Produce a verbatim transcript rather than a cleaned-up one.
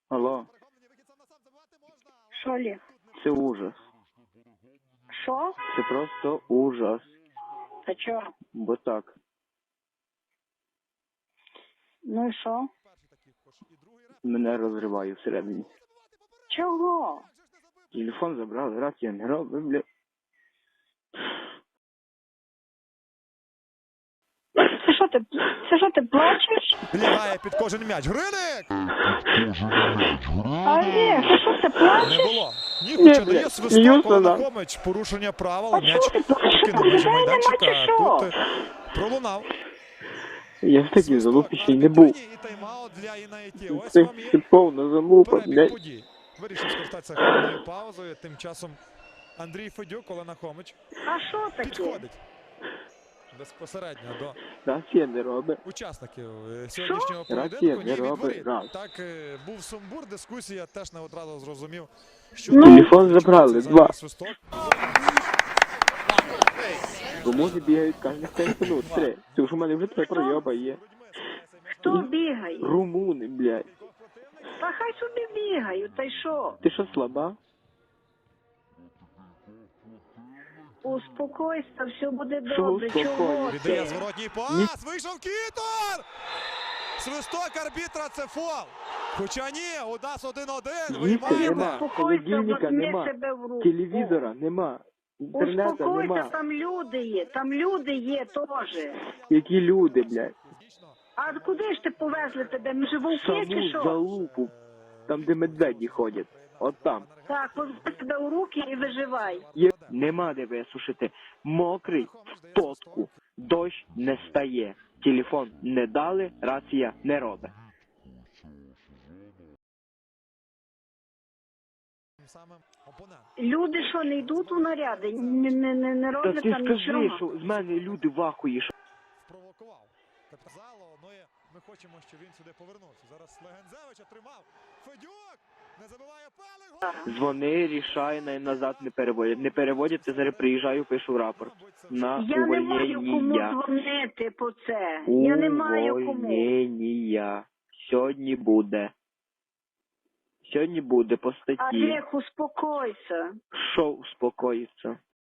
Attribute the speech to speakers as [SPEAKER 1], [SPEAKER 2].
[SPEAKER 1] Алло,
[SPEAKER 2] Що, Олег?
[SPEAKER 1] це ужас.
[SPEAKER 2] Що?
[SPEAKER 1] Це просто ужас.
[SPEAKER 2] Та чого?
[SPEAKER 1] Бо так.
[SPEAKER 2] Ну і що?
[SPEAKER 1] Мене розриває всередині.
[SPEAKER 2] Чого?
[SPEAKER 1] Телефон забрали, рація не робить, бля.
[SPEAKER 2] Це що ти, це що ти плачеш?
[SPEAKER 3] Лягає під кожен м'яч. Гриник!
[SPEAKER 2] Олег, ти що ти
[SPEAKER 3] Не
[SPEAKER 2] плачеш?
[SPEAKER 3] було. Ні, хоча
[SPEAKER 1] бля,
[SPEAKER 3] дає свисток,
[SPEAKER 1] Юсона.
[SPEAKER 3] Олена Хомич. Порушення правил.
[SPEAKER 2] А
[SPEAKER 3] М'яч
[SPEAKER 2] чого ти плачеш?
[SPEAKER 3] покинув межі
[SPEAKER 2] Людей нема
[SPEAKER 3] майданчика.
[SPEAKER 2] чи що?
[SPEAKER 3] Тут е, пролунав.
[SPEAKER 1] Я в такій
[SPEAKER 3] Свисток
[SPEAKER 1] залупі
[SPEAKER 3] на
[SPEAKER 1] ще й не був.
[SPEAKER 3] арбітрині і тайм-аут для Інаїті. Ось
[SPEAKER 1] Це,
[SPEAKER 3] вам
[SPEAKER 1] це
[SPEAKER 3] і
[SPEAKER 1] повна залупа,
[SPEAKER 3] перебіг
[SPEAKER 1] блядь.
[SPEAKER 3] подій. Вирішив скористатися хвилинною паузою. Тим часом Андрій Федюк, Олена Хомич
[SPEAKER 2] А що таке?
[SPEAKER 3] підходить безпосередньо до
[SPEAKER 1] Рація не робить.
[SPEAKER 3] учасників е, сьогоднішнього
[SPEAKER 1] Що?
[SPEAKER 3] поєдинку.
[SPEAKER 1] Рація
[SPEAKER 3] Ні,
[SPEAKER 1] не
[SPEAKER 3] від
[SPEAKER 1] робить
[SPEAKER 3] воріт.
[SPEAKER 1] раз.
[SPEAKER 3] Так, е, був сумбур, дискусія, теж не одразу зрозумів, що
[SPEAKER 2] Ну.
[SPEAKER 3] там
[SPEAKER 1] Телефон
[SPEAKER 3] відбувається,
[SPEAKER 1] забрали,
[SPEAKER 3] за
[SPEAKER 1] два.
[SPEAKER 3] свисток.
[SPEAKER 1] Тому не бігають кожних п'ять минут. Три. Це ж у мене вже три пройоба є.
[SPEAKER 2] Хто бігає?
[SPEAKER 1] Румуни, блядь.
[SPEAKER 2] Та хай собі бігають, та й що?
[SPEAKER 1] Ти що, слаба?
[SPEAKER 2] Успокойся, все буде
[SPEAKER 1] Що
[SPEAKER 2] добре. Чого
[SPEAKER 1] успокоїтися?
[SPEAKER 3] Віддає
[SPEAKER 2] ти?
[SPEAKER 3] зворотній пас, вийшов Кітор! Свисток арбітра, це фол. Хоча ні, у нас один-один,
[SPEAKER 1] Їсти
[SPEAKER 3] виймаємо.
[SPEAKER 1] нема,
[SPEAKER 2] Успокойся,
[SPEAKER 1] холодильника
[SPEAKER 2] возьми
[SPEAKER 1] нема,
[SPEAKER 2] себе в руку.
[SPEAKER 1] телевізора нема, інтернету
[SPEAKER 2] Успокойся,
[SPEAKER 1] нема.
[SPEAKER 2] там люди є, там люди є теж.
[SPEAKER 1] Які люди, блядь.
[SPEAKER 2] А куди ж ти повезли тебе? Ми же вовки чи
[SPEAKER 1] Саму
[SPEAKER 2] що?
[SPEAKER 1] залупу, там де медведі ходять. От там.
[SPEAKER 2] Так, возьми себе у руки і виживай.
[SPEAKER 1] Є... Нема де висушити. Мокрий в потку. Дощ не стає. Телефон не дали, рація не робить.
[SPEAKER 3] Самим опонент.
[SPEAKER 2] Люди що, не йдуть у наряди? Не, не, не, не
[SPEAKER 1] Та
[SPEAKER 2] роблять
[SPEAKER 1] ти
[SPEAKER 2] там
[SPEAKER 1] скажи,
[SPEAKER 2] нічого?
[SPEAKER 1] що з мене люди вахуєш.
[SPEAKER 3] Спровокував. Капітазало, ну і ми хочемо, щоб він сюди повернувся. Зараз Легензевич отримав. Федюк! Не забиває Пелик! Гол!
[SPEAKER 1] Дзвони, рішай, най назад не переводять. Не переводять, я зараз приїжджаю, пишу рапорт. На
[SPEAKER 2] Я не маю кому
[SPEAKER 1] увольнення.
[SPEAKER 2] дзвонити по це. Я не маю кому.
[SPEAKER 1] Увольнення. Сьогодні буде. Сьогодні буде по статті.
[SPEAKER 2] Олег, успокойся.
[SPEAKER 1] Що успокоїться?